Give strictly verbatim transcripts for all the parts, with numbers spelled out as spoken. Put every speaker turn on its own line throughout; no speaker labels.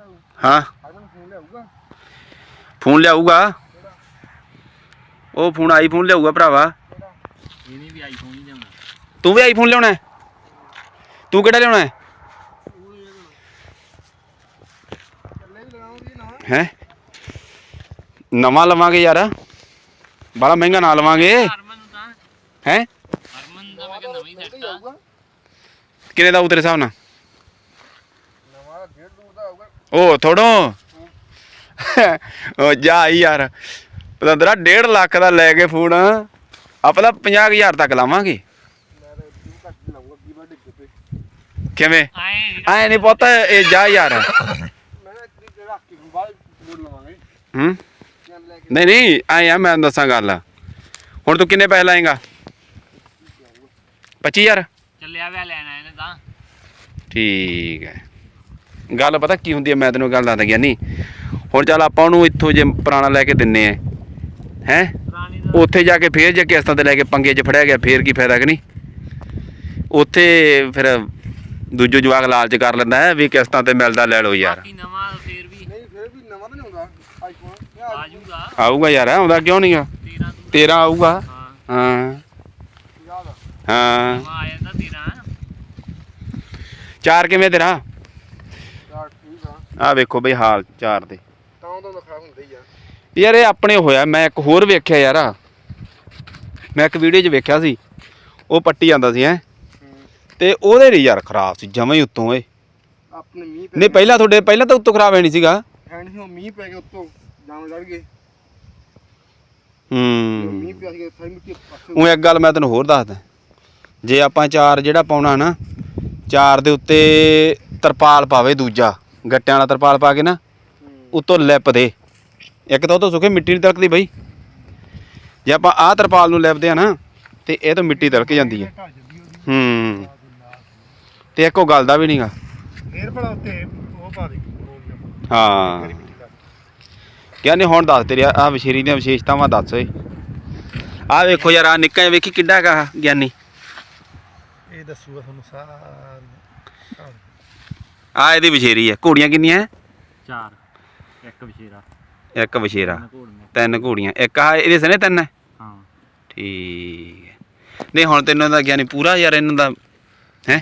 हाँ फोन लियाऊगा वो फोन आई फोन लियाऊगा भरावा तू भी आई फोन लिया तू केड़ा लिया है नवा लवांगे यार बड़ा महंगा ना लवांगे है किने दा तेरे हिसाब नाल ओ थोड़ो जा यार पतंदरा डेढ़ लाख का लैके फोन आप पचास हजार तक लावांगे किवें आए नहीं पता ये जा यार हम्म नहीं नहीं आए यार मैं दसा गल हुण तू किन्ने पैसे लाएगा पच्ची हजार ठीक है गल पता की होंदी है मैं तेनों गल दसदा ज्ञानी हुण चल आपां ओनूं इत्थों जे पुराना लैके दिन्ने आ हैं उत्थे जाके फिर जे किस्तां ते लैके पंगे च फड़िया गया फिर की फायदा कि नहीं उत्थे फिर दूजो जवाक लालच कर लैंदा है भी किस्तां ते मिलदा लै लो यार आऊगा यार आउंदा क्यों नहीं गा तेरह आऊगा हाँ हाँ चार किवें तेरा आ वेखो बई हाल चार दे यार ये अपने होया मैं एक होर वेख्या यार मैं एक वीडियो च वेख्या सी वो पट्टी जांदा सी हैं ते ओहदे नहीं यार खराब सी जमां ही उत्तों ए नहीं पहला थोड़े पहला तो उत्तों खराब है नहीं सीगा हूँ एक गल मैं तेन होर दसदा जे आपां चार जिहड़ा पाउणा ना चार दे उत्ते तरपाल पावे दूजा गट्टियां वाला तरपाल पा के ना उत्तों लिप दे एक तो सुखे मिट्टी नहीं तिलकदी बई जे आप आ तरपाल नूं लिपदे आ ना तो यह तो मिट्टी तिलक जाती है हम्म तो एक गल का भी नहीं गा हाँ क्या नहीं हुण दस तेरी आ वछेरी दी विशेषतावां दस ओए आ वेखो यार आ निक्का जिहा वेखी किड्डा गा ज्ञानी आ इहदी वछेरी है घोड़ियां किन्नियां है चार एक वछेरा एक वछेरा तीन घोड़ियां एक आ इहदे सने तीन है हाँ ठीक है नहीं हुण तैनूं दा ज्ञानी पूरा यार इन्हां दा है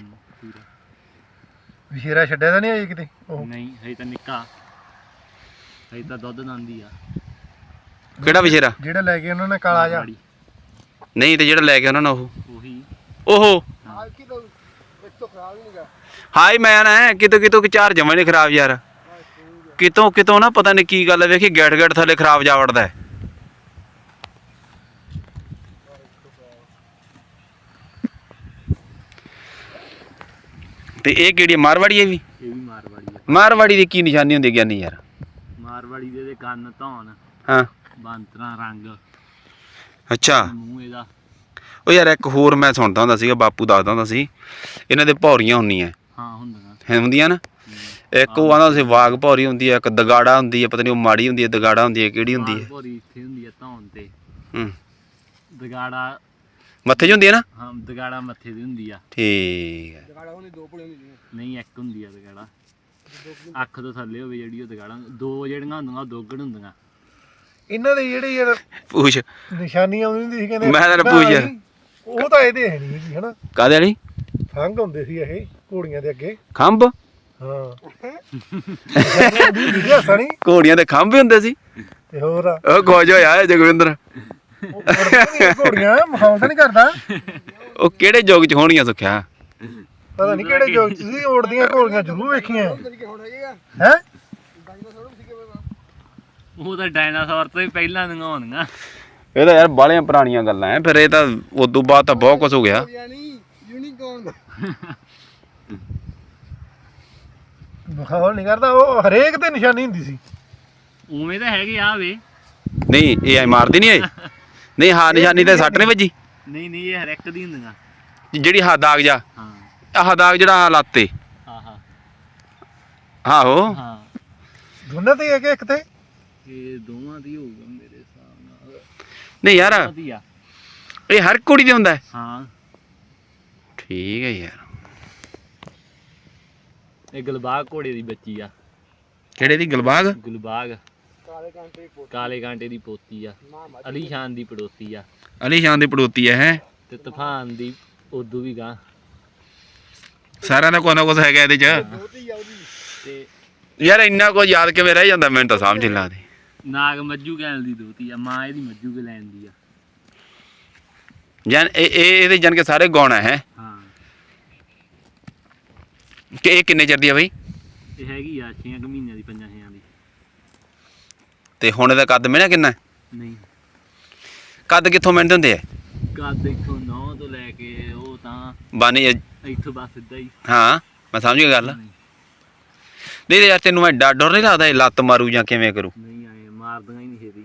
वछेरा छड्डिया तां नहीं अजे किते
नहीं हजे तां निक्का हजे तां दुੱਧ दंदी आ
ਕਿਹੜਾ ਵਛੇਰਾ
ਜਿਹੜਾ ਲੈ ਕੇ ਉਹਨਾਂ ਨੇ ਕਾਲਾ ਜਾ
ਨਹੀਂ ਤੇ ਜਿਹੜਾ ਲੈ ਕੇ ਉਹਨਾਂ ਨੇ ਉਹ
ਉਹੀ
ਉਹ ਹਾਈ ਮੈਂ ਨਾ ਕਿਤੋਂ ਕਿਤੋਂ ਚਾਰ ਜਮਾਂ ਨਹੀਂ ਖਰਾਬ ਯਾਰ ਕਿਤੋਂ ਕਿਤੋਂ ਨਾ ਪਤਾ ਨਹੀਂ ਕੀ ਗੱਲ ਹੈ ਵੇਖੀ ਗੈਟ ਗੈਟ ਥੱਲੇ ਖਰਾਬ ਜਾ ਵੜਦਾ ਹੈ ਤੇ ਇਹ ਕਿਹੜੀ ਮਾਰਵਾੜੀ ਹੈ ਵੀ
ਇਹ ਵੀ ਮਾਰਵਾੜੀ ਹੈ
ਮਾਰਵਾੜੀ ਦੀ ਕੀ ਨਿਸ਼ਾਨੀ ਹੁੰਦੀ ਗਿਆਨੀ ਯਾਰ
ਮਾਰਵਾੜੀ ਦੇ ਕੰਨ ਧੌਣ
ਹਾਂ
ਬਾਂਤਰਾ ਰੰਗ
ਅੱਛਾ
ਮੂੰਹ ਇਹਦਾ
ਉਹ ਯਾਰ ਇੱਕ ਹੋਰ ਮੈਂ ਸੁਣਦਾ ਹੁੰਦਾ ਸੀਗਾ ਬਾਪੂ ਦੱਸਦਾ ਹੁੰਦਾ ਸੀ ਇਹਨਾਂ ਦੇ ਭੌਰੀਆਂ ਹੁੰਦੀਆਂ
ਹਾਂ ਹੁੰਦੀਆਂ
ਹੁੰਦੀਆਂ ਨਾ ਇੱਕ ਉਹ ਆਂਦਾ ਸੀ ਵਾਗ ਭੌਰੀ ਹੁੰਦੀ ਹੈ ਇੱਕ ਦਗਾੜਾ ਹੁੰਦੀ ਹੈ ਪਤਾ ਨਹੀਂ ਉਹ ਮਾੜੀ ਹੁੰਦੀ ਹੈ ਦਗਾੜਾ ਹੁੰਦੀ ਹੈ ਕਿਹੜੀ ਹੁੰਦੀ ਹੈ
ਭੌਰੀ ਇੱਥੇ ਹੁੰਦੀ ਹੈ ਧੌਣ ਤੇ
ਹੂੰ
ਦਗਾੜਾ
ਮੱਥੇ 'ਚ ਹੁੰਦੀ ਹੈ ਨਾ
ਹਾਂ ਦਗਾੜਾ ਮੱਥੇ ਦੀ ਹੁੰਦੀ ਆ
ਠੀਕ ਹੈ
ਦਗਾੜਾ ਹੁੰਦੀ ਦੋ ਭਲੇ ਹੁੰਦੀ
ਨਹੀਂ ਇੱਕ ਹੁੰਦੀ ਆ ਦਗਾੜਾ ਅੱਖ ਤੋਂ ਥੱਲੇ ਹੋਵੇ ਜਿਹੜੀ ਉਹ ਦਗਾੜਾ ਦੋ ਜਿਹੜੀਆਂ ਹੁੰਦੀਆਂ ਉਹ ਦੋਗੜ ਹੁੰਦੀਆਂ
ਇਹਨਾਂ ਦੇ ਜਿਹੜੇ ਯਾਰ
ਪੁੱਛ
ਨਿਸ਼ਾਨੀਆਂ ਹੁੰਦੀ ਸੀ ਕਹਿੰਦੇ
ਮੈਂ ਤਾਂ ਪੁੱਛ ਯਾਰ
ਉਹ ਤਾਂ ਇਹਦੇ ਹੈ ਨਹੀਂ ਸੀ ਹਨਾ
ਕਾਹਦੇ ਵਾਲੀ
ਖੰਘ ਹੁੰਦੇ ਸੀ ਇਹ ਘੋੜੀਆਂ ਦੇ ਅੱਗੇ
ਖੰਭ
ਹਾਂ ਸਣੀ
ਘੋੜੀਆਂ ਦੇ ਖੰਭ ਵੀ ਹੁੰਦੇ ਸੀ
ਤੇ ਹੋਰ
ਉਹ ਖੁਸ਼ ਹੋਇਆ ਜਗਵਿੰਦਰ
ਘੋੜੀਆਂ ਮਖੌਲ ਤਾਂ ਨਹੀਂ ਕਰਦਾ
ਉਹ ਕਿਹੜੇ ਯੁੱਗ 'ਚ ਹੋਣੀਆਂ ਸੁੱਖਿਆ
ਪਤਾ ਨਹੀਂ ਕਿਹੜੇ ਯੁੱਗ 'ਚ ਸੀ ਉੜਦੀਆਂ ਘੋੜੀਆਂ ਜ਼ਰੂਰ ਵੇਖੀਆਂ ਹੈ
ਉਹ ਤਾਂ ਡਾਇਨਾਸੌਰ ਤੋਂ ਹੀ ਪਹਿਲਾਂ ਦੀਆਂ ਹੋਣੀਆਂ
ਇਹ ਤਾਂ ਯਾਰ ਬਾਹਲੀਆਂ ਪੁਰਾਣੀਆਂ ਗੱਲਾਂ ਐ ਫਿਰ ਇਹ ਤਾਂ ਉਦੋਂ ਬਾਅਦ ਤਾਂ ਬਹੁਤ ਕੁਝ ਹੋ ਗਿਆ
ਮਖੌਲ ਨਹੀਂ ਕਰਦਾ ਉਹ ਹਰੇਕ ਤੇ ਨਿਸ਼ਾਨੀ ਹੁੰਦੀ ਸੀ
ਉਵੇਂ ਤਾਂ ਹੈਗੇ ਆ ਵੇ
ਨਹੀਂ ਇਹ ਐ ਮਾਰਦੀ ਨਹੀਂ ਇਹ ਨਹੀਂ ਹਾਂ ਨਿਸ਼ਾਨੀ ਤੇ ਸੱਟ ਨਹੀਂ ਵੱਜੀ
ਨਹੀਂ ਨਹੀਂ ਇਹ ਹਰ ਇੱਕ ਦੀ ਹੁੰਦੀਆਂ
ਜਿਹੜੀ ਹਾ ਦਾਗ ਜਾ
ਹਾਂ
ਆਹ ਦਾਗ ਜਿਹੜਾ ਲੱਤ ਤੇ
ਹਾਂ ਹਾਂ
ਆਹੋ
ਹਾਂ
ਦੋਨਾਂ ਤੇ ਇੱਕ ਇੱਕ ਤੇ
ਇਹ ਦੋਵਾਂ ਦੀ ਹੋਊਗਾ ਮੇਰੇ ਹਿਸਾਬ ਨਾਲ
ਨਹੀਂ ਯਾਰ
ਵਧੀਆ
ਇਹ ਹਰ ਕੁੜੀ ਦੇ ਹੁੰਦਾ
ਹਾਂ
ਠੀਕ ਹੈ ਯਾਰ
ਇਹ ਗਲਬਾਗ ਘੋੜੇ ਦੀ ਬੱਚੀ ਆ
ਕਿਹੜੇ ਦੀ ਗੁਲਬਾਗ?
ਗੁਲਬਾਗ ਕਾਲੇ ਕਾਂਟੇ ਦੀ ਪੋਤੀ ਆ, ਅਲੀ ਸ਼ਾਨ ਦੀ ਪੜੋਤੀ ਆ,
ਅਲੀ ਸ਼ਾਨ ਦੀ ਪੜੋਤੀ ਹੈ ਹੈ
ਤੇ ਤੂਫਾਨ ਦੀ ਉਦੋਂ ਵੀ ਗਾਂ।
ਸਾਰਿਆਂ ਦਾ ਕੋਈ ਨਾ ਕੁਛ ਹੈਗਾ ਇਹਦੇ ਚ।
ਤੇ
ਯਾਰ ਇੰਨਾ ਕੁਝ ਯਾਦ ਕਿਵੇਂ ਰਹਿ ਜਾਂਦਾ ਮੈਨੂੰ ਤਾਂ ਸਮਝ ਨਹੀਂ ਲੱਗਦੀ।
ਨਾਗ ਮੱਜੂ ਗੈਲ ਦੀ ਦੋਤੀ ਆ, ਮਾਂ ਇਹਦੀ ਮੱਜੂ ਕੇ ਲੈਣ ਦੀ ਆ।
ਜਾਨ ਇਹ ਇਹ ਇਹਦੇ ਜਾਨ ਕੇ ਸਾਰੇ ਗੁਣ ਹੈ
ਹਾਂ
ਕਿ ਇਹ ਕਿੰਨੇ ਚਿਰ ਦੀ ਆ ਬਈ?
ਇਹ ਹੈਗੀ ਆ ਛੇ ਮਹੀਨਿਆਂ ਦੀ, ਪੰਜਾਂ ਛੇਆਂ ਦੀ।
ਤੇ ਹੁਣ ਇਹਦਾ ਕੱਦ ਮਿਲਿਆ ਕਿੰਨਾ?
ਨਹੀਂ
ਕੱਦ ਕਿੱਥੋਂ ਮਿਲਦੇ ਹੁੰਦੇ ਆ?
ਕੱਦ ਇੱਥੋਂ ਨੌ ਤੋਂ ਲੈ ਕੇ ਉਹ ਤਾਂ
ਬਾਨੀ
ਇੱਥੋਂ ਬਸ ਸਿੱਧਾ ਹੀ।
ਹਾਂ ਮੈਂ ਸਮਝ ਗਿਆ ਗੱਲ।
ਨਹੀਂ
ਨਹੀਂ ਯਾਰ ਤੈਨੂੰ ਮੈਂ ਡਰ ਡਰ ਨਹੀਂ ਲੱਗਦਾ ਇਹ ਲੱਤ ਮਾਰੂ ਜਾਂ ਕਿਵੇਂ ਕਰੂ?
ਨਹੀਂ ਆਏ ਮਾਰਦੀਆਂ ਹੀ ਨਹੀਂ ਛੇਤੀ।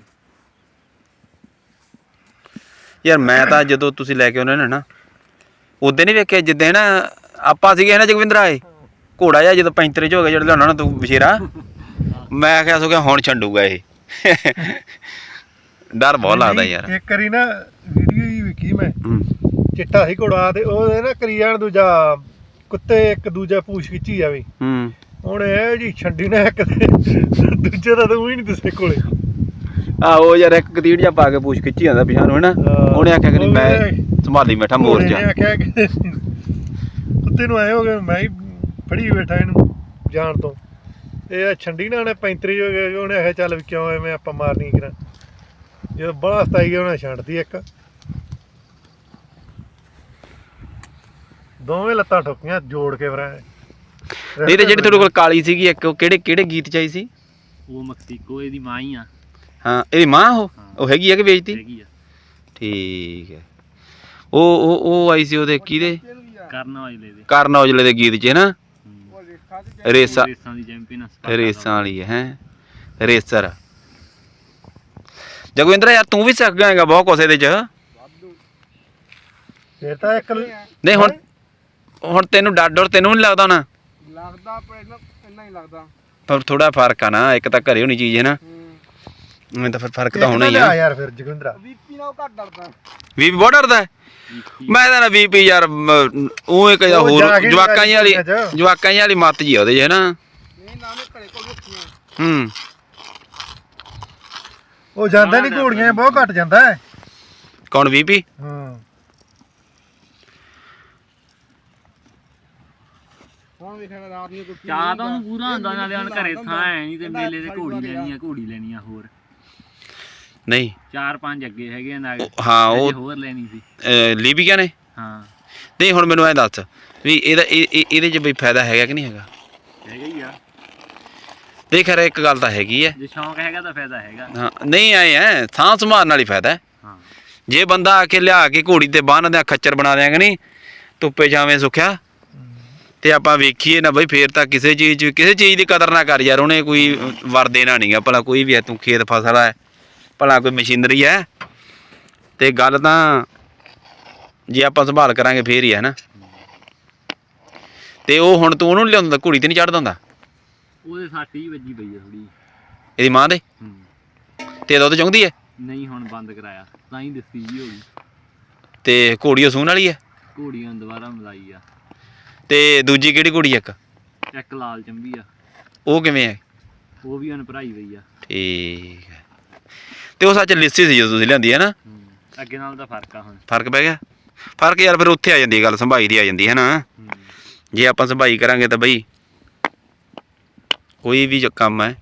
ਯਾਰ ਮੈਂ ਤਾਂ ਜਦੋਂ ਤੁਸੀਂ ਲੈ ਕੇ ਆਉਂਦੇ ਨੇ ਨਾ ਉਦੋਂ ਨਹੀਂ ਵੇਖਿਆ ਜਿੱਦਾਂ ਨਾ ਆਪਾਂ ਸੀਗੇ ਨਾ ਜਗਵਿੰਦਰ ਆਏ ਘੋੜਾ ਜਿਹਾ ਜਦੋਂ ਪੈਂਤਰੇ ਚ ਹੋ ਗਿਆ ਜਿਹੜਾ ਲਿਆਉਣਾ ਨਾ ਤੂੰ ਬਸ਼ੇਰਾ, ਮੈਂ ਕਿਹਾ ਸੋ ਕਿ ਹੁਣ ਛੰਡੂਗਾ ਇਹ। ਡਰ ਬਹੁਤ ਲੱਗਦਾ ਯਾਰ।
ਇੱਕ ਵਾਰੀ ਨਾ ਵੀਡੀਓ ਹੀ ਵੇਖੀ ਮੈਂ,
ਹੂੰ
ਚਿੱਟਾ ਸੀ ਘੋੜਾ ਤੇ ਉਹਦੇ ਨਾ ਕਰੀ ਜਾਣ ਦੂਜਾ ਕੁੱਤੇ ਇੱਕ ਦੂਜਾ ਪੂਛ ਖਿੱਚੀ ਜਾਵੇ।
ਹੂੰ
ਹੁਣ ਇਹ ਜੀ ਛੰਡੀ ਨਾ ਇੱਕ ਤੇ ਦੂਜੇ ਦਾ ਤਾਂ ਉਹ ਹੀ ਨਹੀਂ ਦਿਸੇ ਕੋਲੇ।
ਆਹੋ ਯਾਰ ਇੱਕ ਕਤੀੜ ਜਿਹਾ ਪਾ ਕੇ ਪੂਛ ਖਿੱਚੀ ਜਾਂਦਾ ਪਿਛਾਂ ਨੂੰ ਹੈ ਨਾ। ਉਹਨੇ ਆਖਿਆ ਕਿ ਮੈਂ ਸੰਭਾਲੀ ਬੈਠਾ ਮੋਰ ਜਾ।
ਉਹਨੇ ਆਖਿਆ ਕਿ ਕੁੱਤੇ ਨੂੰ ਆਏ ਹੋ ਗਏ ਮੈਂ ਹੀ ਫੜੀ ਬੈਠਾ ਇਹਨੂੰ ਜਾਣ ਤੋਂ। ਇਹ ਛੰਡੀ ਨਾ ਉਹਨੇ ਪੈਂਤਰੀ ਹੋ ਗਏ, ਉਹਨੇ ਆਖਿਆ ਚੱਲ ਵੀ ਕਿਉਂ ਐਵੇਂ ਆਪਾਂ ਮਾਰਨੀ ਕਰਾਂ। ਜਦੋਂ ਬੜਾ ਸਤਾਈ ਗਿਆ ਉਹਨੇ ਛੱਡਦੀ ਇੱਕ, ਦੋਵੇਂ ਲੱਤਾਂ ਠੋਕੀਆਂ ਜੋੜ ਕੇ ਫਿਰ।
ਨਹੀਂ ਤੇ ਜਿਹੜੀ ਤੁਹਾਡੇ ਕੋਲ ਕਾਲੀ ਸੀਗੀ ਇੱਕ ਉਹ ਕਿਹੜੇ ਕਿਹੜੇ ਗੀਤ ਚ ਆਈ ਸੀ?
ਉਹ ਮਕਸੀਕੋ ਇਹਦੀ ਮਾਂ ਹੀ ਆ।
ਹਾਂ ਇਹਦੀ ਮਾਂ ਉਹ ਉਹ ਹੈਗੀ ਆ ਕਿ ਵੇਚਤੀ?
ਹੈਗੀ ਆ।
ਠੀਕ ਹੈ। ਉਹ ਉਹ ਉਹ ਆਈ ਸੀ ਉਹਦੇ ਕਿਹਦੇ?
ਕਰਨ ਔਜਲੇ ਦੇ।
ਕਰਨ ਔਜਲੇ ਦੇ ਗੀਤ ਚ ਨਾ ਰੇਸਾ
ਰੇਸਾਂ ਦੀ ਚੈਂਪੀਅਨ।
ਰੇਸਾਂ ਵਾਲੀ ਹੈ ਹੈਂ ਰੇਸਰ। ਜਗਵਿੰਦਰ ਯਾਰ ਤੂੰ ਵੀ ਸਿੱਖ ਜਾਏਗਾ ਬਹੁਤ ਕੁਛ ਇਹਦੇ ਚ।
ਫਿਰ ਤਾਂ ਇੱਕ
ਨਹੀਂ ਹੁਣ ਹੁਣ ਤੈਨੂੰ ਡਰ ਡਰ ਤੈਨੂੰ ਨਹੀਂ ਲੱਗਦਾ ਨਾ?
ਲੱਗਦਾ ਪਰ ਇੰਨਾ ਹੀ ਲੱਗਦਾ।
ਪਰ ਥੋੜਾ ਫਰਕ ਆ ਨਾ, ਇੱਕ ਤਾਂ ਘਰੇ ਹੋਣੀ ਚੀਜ਼ ਹੈ ਨਾ, ਮੈਨੂੰ ਤਾਂ ਫਿਰ ਫਰਕ ਤਾਂ ਹੋਣਾ ਹੀ ਆ
ਯਾਰ। ਫਿਰ ਜਗਵਿੰਦਰਾ ਬੀਪੀ ਨਾਲ ਘੱਟ ਡਰਦਾ।
ਵੀਪੀ ਬਹੁਤ ਡਰਦਾ ਹੈ? ਮੈਂ ਤਾਂ ਨਾ ਵੀਪੀ ਯਾਰ ਉਹ ਇੱਕ ਹੋਰ ਜਵਾਕਾਂ ਜੀ ਵਾਲੀ ਜਵਾਕਾਂ ਜੀ ਵਾਲੀ ਮੱਤ ਜੀ ਉਹਦੇ ਚ ਹੈ ਨਾ। ਹੂੰ
ਉਹ ਜਾਂਦਾ ਨਹੀਂ ਘੋੜੀਆਂ ਬਹੁਤ ਘੱਟ ਜਾਂਦਾ ਹੈ।
ਕੌਣ ਵੀਪੀ?
ਹਾਂ
ਚਾਹ ਤਾਂ ਉਹਨੂੰ ਪੂਰਾ ਹੁੰਦਾ, ਨਾਲੇ ਹੁਣ ਘਰੇ ਥਾਂ ਹੈ ਨਹੀਂ ਤੇ ਮੇਲੇ ਤੇ ਘੋੜੀ ਲੈਣੀ ਆ, ਘੋੜੀ ਲੈਣੀ ਆ ਹੋਰ।
ਨਹੀਂ
ਚਾਰ ਪੰਜ ਅੱਗੇ ਹੈਗੇ ਆ ਨਾਗ।
ਹਾਂ ਉਹ
ਹੋਰ ਲੈਣੀ ਸੀ
ਲੀਬੀਆ ਨੇ।
ਹਾਂ
ਨਹੀਂ ਹੁਣ ਮੈਨੂੰ ਐ ਦੱਸ ਵੀ ਇਹਦਾ ਇਹਦੇ ਚ ਬਈ ਫਾਇਦਾ ਹੈਗਾ ਕਿ ਨਹੀਂ ਹੈਗਾ?
ਹੈਗਾ ਹੀ ਆ।
ਦੇਖ ਯਾਰ ਇੱਕ ਗੱਲ ਤਾਂ ਹੈਗੀ ਐ,
ਜੇ ਸ਼ੌਂਕ ਹੈਗਾ ਤਾਂ ਫਾਇਦਾ ਹੈਗਾ।
ਹਾਂ ਨਹੀਂ ਆਏ ਐ ਸਾਂਭ ਸੰਭਾਲ ਨਾਲ ਹੀ ਫਾਇਦਾ ਹੈ।
ਹਾਂ
ਜੇ ਬੰਦਾ ਆ ਕੇ ਲਿਆ ਕੇ ਘੋੜੀ ਤੇ ਬੰਨ ਦਿਆਂ ਖੱਚਰ ਬਣਾ ਦਿਆਂਗੇ ਨਹੀਂ ਧੁੱਪੇ ਛਾਵੇਂ ਸੁੱਖਿਆ ਤੇ ਆਪਾਂ ਵੇਖੀਏ ਨਾ ਬਈ ਫੇਰ ਤਾਂ ਕਿਸੇ ਚੀਜ਼ ਕਿਸੇ ਚੀਜ਼ ਦੀ ਕਦਰ ਨਾ ਕਰ ਯਾਰ। ਉਹਨੇ ਕੋਈ ਵਰ ਦੇਣਾ ਨਹੀਂਗਾ ਭਲਾ ਕੋਈ ਵੀ ਹੈ, ਤੂੰ ਖੇਤ ਫਸਲ ਹੈ ਭਲਾ ਕੋਈ ਮਸ਼ੀਨਰੀ ਹੈ ਤੇ ਗੱਲ ਤਾਂ ਜੇ ਆਪਾਂ ਸੰਭਾਲ ਕਰਾਂਗੇ ਫੇਰ ਹੀ ਹੈ ਨਾ। ਤੇ ਉਹ ਹੁਣ ਤੂੰ ਉਹਨੂੰ ਲਿਆਉਂਦਾ ਘੋੜੀ ਤੇ ਨਹੀਂ ਚੜ੍ਹਦਾ ਹੁੰਦਾ?
ਉਹਦੇ ਸੱਟ ਹੀ ਵੱਜੀ ਪਈ ਆ ਥੋੜੀ
ਇਹਦੀ ਮਾਂ ਦੇ।
ਹੂੰ
ਤੇ ਦੁੱਧ ਚੁੰਗਦੀ ਹੈ?
ਨਹੀਂ ਹੁਣ ਬੰਦ ਕਰਾਇਆ ਤਾਂ ਹੀ ਦੱਸੀ ਜੀ ਹੋ ਗਈ।
ਤੇ ਘੋੜੀ ਉਹ ਸੂਣ ਵਾਲੀ ਹੈ?
ਘੋੜੀਆਂ ਦੁਬਾਰਾ ਮਲਾਈ ਆ।
ਤੇ ਦੂਜੀ ਕਿਹੜੀ ਘੋੜੀ ਇੱਕ?
ਇੱਕ ਲਾਲ ਚੰਬੀ ਆ।
ਉਹ ਕਿਵੇਂ ਹੈ?
ਉਹ ਵੀ ਹੁਣ ਭਰਾਈ ਪਈ ਆ।
ਠੀਕ ਹੈ। ਤੇ ਉਹ ਸੱਚ ਲਿੱਸੀ ਸੀ ਜਦੋਂ ਤੁਸੀਂ ਲਿਆਂਦੀ ਹੈ ਨਾ?
ਹੂੰ ਅੱਗੇ ਨਾਲ ਤਾਂ ਫਰਕ ਆ ਹੁਣ।
ਫਰਕ ਪੈ ਗਿਆ? ਫਰਕ ਯਾਰ ਫਿਰ ਉੱਥੇ ਆ ਜਾਂਦੀ ਗੱਲ, ਸੰਭਾਈ ਦੀ ਆ ਜਾਂਦੀ ਹੈ ਨਾ। ਜੇ ਆਪਾਂ ਸੰਭਾਈ ਕਰਾਂਗੇ ਤਾਂ ਬਈ ਕੋਈ ਵੀ ਕੰਮ ਹੈ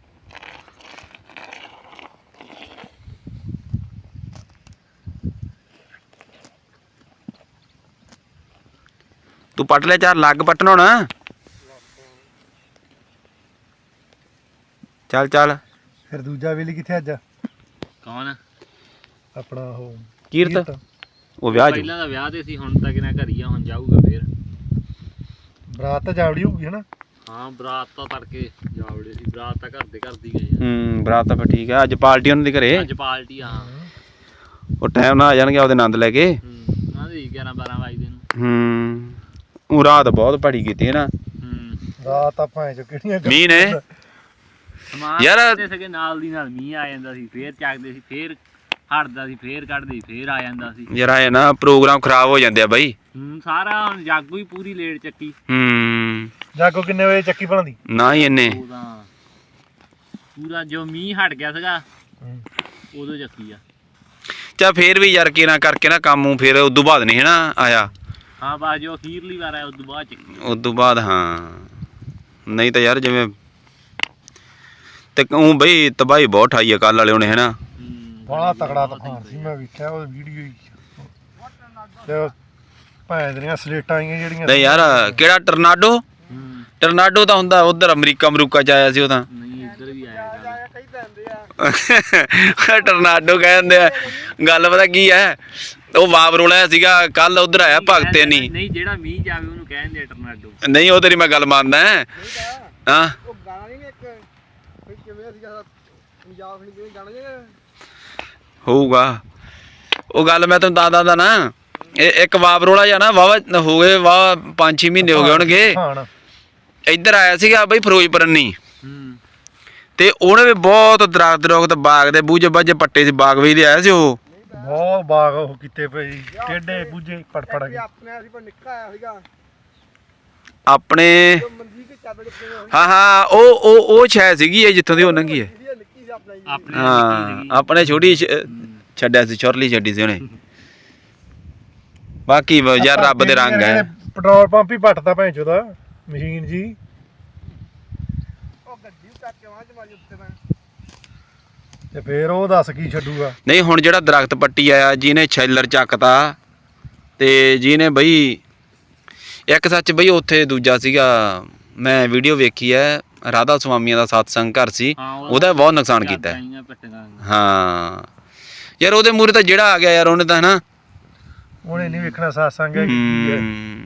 ਤੂੰ ਪੱਟ ਲਿਆ ਚਾਰ ਲੱਗ ਪੱਟਣਾ ਹੋਣਾ। ਚੱਲ ਚੱਲ।
ਫਿਰ ਦੂਜਾ ਵੇਲੀ ਕਿੱਥੇ ਅੱਜ?
ਕੌਣ?
ਆਪਣਾ ਉਹ
ਕੀਰਤ ਉਹ ਵਿਆਹ ਚ
ਪਹਿਲਾਂ ਤਾਂ ਵਿਆਹ ਤੇ ਸੀ, ਹੁਣ ਤਾਂ ਕਿਨਾ ਘਰ ਹੀ ਆ, ਹੁਣ ਜਾਊਗਾ ਫੇਰ।
ਬਰਾਤ ਤਾਂ ਜਾਵੜੀ ਹੋਊਗੀ ਹਨਾ?
ਹਾਂ ਬਰਾਤ ਤਾਂ ਤੜਕੇ ਜਾਵੜੇ ਸੀ, ਬਰਾਤ ਤਾਂ ਘਰ ਦੇ ਘਰ ਦੀ ਗਏ ਆ।
ਹੂੰ ਬਰਾਤ ਤਾਂ ਫਿਰ ਠੀਕ ਹੈ। ਅੱਜ ਪਾਰਟੀ ਉਹਨਾਂ ਦੀ ਘਰੇ,
ਅੱਜ ਪਾਰਟੀ ਆ।
ਉਹ ਟਾਈਮ ਨਾਲ ਆ ਜਾਣਗੇ ਉਹਦੇ ਆਨੰਦ ਲੈ ਕੇ।
ਹੂੰ ਨਾ ਦੀ ਗਿਆਰਾਂ ਬਾਰਾਂ ਵਜੇ ਨੂੰ।
ਹੂੰ ਉਹ ਰਾਤ ਬਹੁਤ ਭੜੀ ਕੀਤੀ ਹੈ ਨਾ।
ਹੂੰ
ਰਾਤ ਆਪਾਂ ਚ ਕਿਹੜੀਆਂ
ਮੀਂਹ ਨੇ
ਸਮਾਨ
ਯਾਰ
ਤੇ ਸਕੇ ਨਾਲ ਦੀ ਨਾਲ ਮੀਂਹ ਆ ਜਾਂਦਾ ਸੀ, ਫੇਰ ਚੱਕਦੇ ਸੀ, ਫੇਰ ਹਟਦਾ ਸੀ, ਫੇਰ ਕੱਢਦੇ ਸੀ, ਫੇਰ ਆ ਜਾਂਦਾ ਸੀ।
ਯਾਰ ਆਏ ਨਾ ਪ੍ਰੋਗਰਾਮ ਖਰਾਬ ਹੋ ਜਾਂਦੇ ਆ ਬਾਈ।
ਹੂੰ ਸਾਰਾ ਹੁਣ ਜਾਗੋ ਹੀ ਪੂਰੀ ਲੇਟ ਚੱਕੀ।
ਹੂੰ
ਜਾਗੋ ਕਿੰਨੇ ਵਜੇ ਚੱਕੀ ਬਣਦੀ?
ਨਾ ਹੀ ਇੰਨੇ
ਉਹ ਤਾਂ ਪੂਰਾ ਜੋ ਮੀਂਹ ਹਟ ਗਿਆ ਸੀਗਾ ਉਦੋਂ ਚੱਕੀ ਆ।
ਚਾ ਫੇਰ ਵੀ ਯਾਰ ਕਿਨਾ ਕਰਕੇ ਨਾ ਕੰਮ ਨੂੰ ਫੇਰ ਉਦੋਂ ਬਾਅਦ ਨਹੀਂ ਹਨਾ ਆਇਆ।
ਹਾਂ ਬਸ ਜੋ ਅਖੀਰਲੀ ਵਾਰ ਆਇਆ ਉਦੋਂ ਬਾਅਦ ਚੱਕੀ
ਉਦੋਂ ਬਾਅਦ ਹਾਂ, ਨਹੀਂ ਤਾਂ ਯਾਰ ਜਿਵੇਂ ਤੇ ਉਹ ਬਈ ਤਬਾਹੀ ਬਹੁਤ ਠਾਈ ਆ ਕੱਲ ਵਾਲੇ ਉਹਨੇ ਹਨਾ।
ਬੜਾ ਤਕੜਾ ਤੂਫਾਨ ਸੀ, ਮੈਂ ਵੇਖਿਆ ਉਹ ਵੀਡੀਓ ਹੀ ਤੇ ਭੈਣ ਦੀਆਂ ਸਲੇਟਾਂ ਆਈਆਂ ਜਿਹੜੀਆਂ
ਤੇ ਯਾਰ ਕਿਹੜਾ ਟਰਨਾਡੋ ਟਰਨਾਡੋ ਤਾਂ ਹੁੰਦਾ ਉਧਰ ਅਮਰੀਕਾ ਅਮਰੂਕਾ ਚ ਆਇਆ ਸੀ ਉਹ ਤਾਂ।
ਨਹੀਂ ਇੱਧਰ ਵੀ ਆਇਆ
ਟਰਨਾਡੋ ਕਹਿੰਦੇ ਆ। ਗੱਲ ਪਤਾ ਕੀ ਹੈ, ਉਹ ਵਾਪ ਰੋਲਿਆ ਸੀਗਾ ਕੱਲ ਉਧਰ ਆਇਆ ਭਗਤੇ ਨਹੀਂ
ਨਹੀਂ ਜਿਹੜਾ ਮੀਂਹ ਜਾਵੇ ਉਹਨੂੰ ਕਹਿੰਦੇ ਟਰਨਾਡੋ।
ਨਹੀਂ ਉਹ ਤੇਰੀ ਮੈਂ ਗੱਲ ਮੰਨਦਾ ਹਾਂ।
ਉਹ ਗਾਣਾ ਨਹੀਂ ਇੱਕ ਕਿਵੇਂ ਸੀਗਾ ਪੰਜਾਬ ਨਹੀਂ ਗਾਣਾ ਜਿਹਾ
ਹੋਊਗਾ ਉਹ ਗੱਲ ਮੈਂ ਤੈਨੂੰ ਦੱਸਦਾ ਦਾ ਨਾ। ਇਹ ਇੱਕ ਵਾਪ ਰੋਲਾ ਜਾਂ ਨਾ ਵਾਵਾ ਹੋ ਗਏ ਵਾਹ ਪੰਜ ਛੇ ਮਹੀਨੇ ਹੋ ਗਏ ਹੋਣਗੇ। ਇੱਧਰ ਆਇਆ ਸੀਗਾ ਬਈ ਫਿਰੋਜ਼ਪੁਰ ਨਹੀਂ ਤੇ ਉਹਨੇ ਵੀ ਬਹੁਤ ਦਰਖਤ ਦਰਖਤ ਬਾਗ ਦੇ ਬੂਝੇ ਬਾਝੇ ਪੱਟੇ 'ਚ ਬਾਗ ਵੀ ਦੇ ਆਇਆ ਸੀ ਉਹ।
ਬਹੁਤ ਬਾਗ ਉਹ ਕੀਤੇ ਪਏ ਟੇਡੇ ਬੂਝੇ ਪੜ ਪੜ ਕੇ ਆਪਣੇ ਅਸੀਂ ਪਰ ਨਿੱਕਾ ਆਇਆ ਸੀਗਾ
ਆਪਣੇ। ਹਾਂ ਹਾਂ ਉਹ ਉਹ ਉਹ ਛਾਇਆ ਸੀਗੀ ਇਹ ਜਿੱਥੋਂ ਦੀ ਉਹ ਲੰਘੀ ਹੈ। ਹਾਂ ਆਪਣੇ ਛੋਟੀ ਛੱਡਿਆ ਸੀ ਛੁਰਲੀ ਛੱਡੀ ਸੀ ਉਹਨੇ। ਬਾਕੀ ਯਾਰ ਰੱਬ ਦੇ ਰੰਗ ਹੈ।
ਪੈਟਰੋਲ ਪੰਪ ਹੀ ਪੱਟਦਾ ਭੈਣ ਚੋਦਾ ਮਸ਼ੀਨ ਜੀ। ਉਹ ਗੱਡੀ ਚੱਕ ਕੇ ਵਾਂ ਚ ਮਾਰੀ ਉੱਤੇ ਮੈਂ ਤੇ ਫੇਰ ਉਹ ਦੱਸ ਕੀ ਛੱਡੂਗਾ।
ਨਹੀਂ ਹੁਣ ਜਿਹੜਾ ਦਰਖਤ ਪੱਟੀ ਆਇਆ ਜਿਹਨੇ ਛੈਲਰ ਚੱਕਤਾ ਤੇ ਜਿਹਨੇ ਬਈ ਇੱਕ ਸੱਚ ਬਈ ਉੱਥੇ ਦੂਜਾ ਸੀਗਾ ਮੈਂ ਵੀਡੀਓ ਵੇਖੀ ਹੈ ਰਾਧਾ ਸੁਆਮੀਆਂ ਦਾ ਸਤਸੰਗ ਘਰ ਸੀ ਉਹਦਾ ਬਹੁਤ ਨੁਕਸਾਨ ਕੀਤਾ। ਹਾਂ ਯਾਰ ਉਹਦੇ ਮੂਹਰੇ ਤਾਂ ਜਿਹੜਾ ਆ ਗਿਆ ਯਾਰ ਉਹਨੇ ਤਾਂ ਹਨਾ
ਉਹਨੇ ਨਹੀਂ ਵੇਖਣਾ ਸਤਸੰਗ ਹੈ ਕੀ ਹੈ।